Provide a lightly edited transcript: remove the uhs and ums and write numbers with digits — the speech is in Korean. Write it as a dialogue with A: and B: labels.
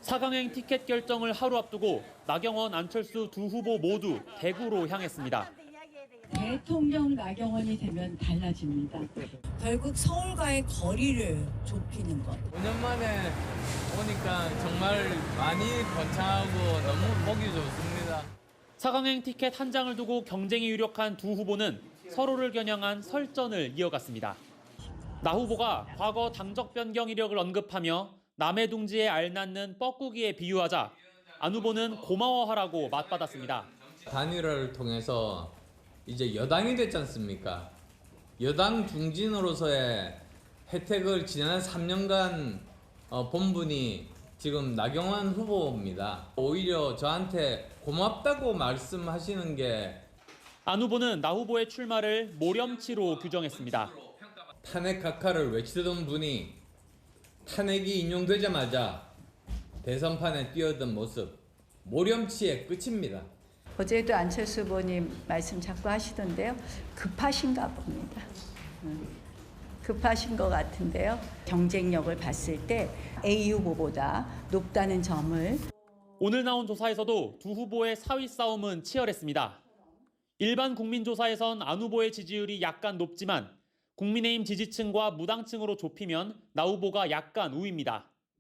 A: 4강행 티켓 결정을 하루 앞두고 나경원, 안철수 두 후보 모두 대구로 향했습니다.
B: 대통령 나경원이 되면 달라집니다.
C: 결국 서울과의 거리를 좁히는 것.
D: 5년 만에 오니까 정말 많이 번창하고 너무 보기 좋습니다.
A: 4강행 티켓 한 장을 두고 경쟁이 유력한 두 후보는 서로를 겨냥한 설전을 이어갔습니다. 나 후보가 과거 당적 변경 이력을 언급하며 남의 둥지에 알 낳는 뻐꾸기에 비유하자 안 후보는 고마워하라고 맞받았습니다.
D: 단일화를 통해서 이제 여당이 됐지 않습니까? 여당 중진으로서의 혜택을 지난 3년간 본 분이 지금 나경원 후보입니다. 오히려 저한테 고맙다고 말씀하시는 게
A: 안 후보는 나 후보의 출마를 모렴치로 규정했습니다.
D: 탄핵 각하를 외치던 분이 탄핵이 인용되자마자 대선판에 뛰어든 모습, 모렴치의 끝입니다.
B: 어제도 안철수 후보님 말씀 자꾸 하시던데요. 급하신가 봅니다. 급하신 것 같은데요. 경쟁력을 봤을 때 A 후보보다 높다는 점을.
A: 오늘 나온 조사에서도 두 후보의 사위 싸움은 치열했습니다. 일반 국민조사에선 안 후보의 지지율이 약간 높지만 국민의힘 지지층과 무당층으로 좁히면 나 후보가 약간 우위입니다.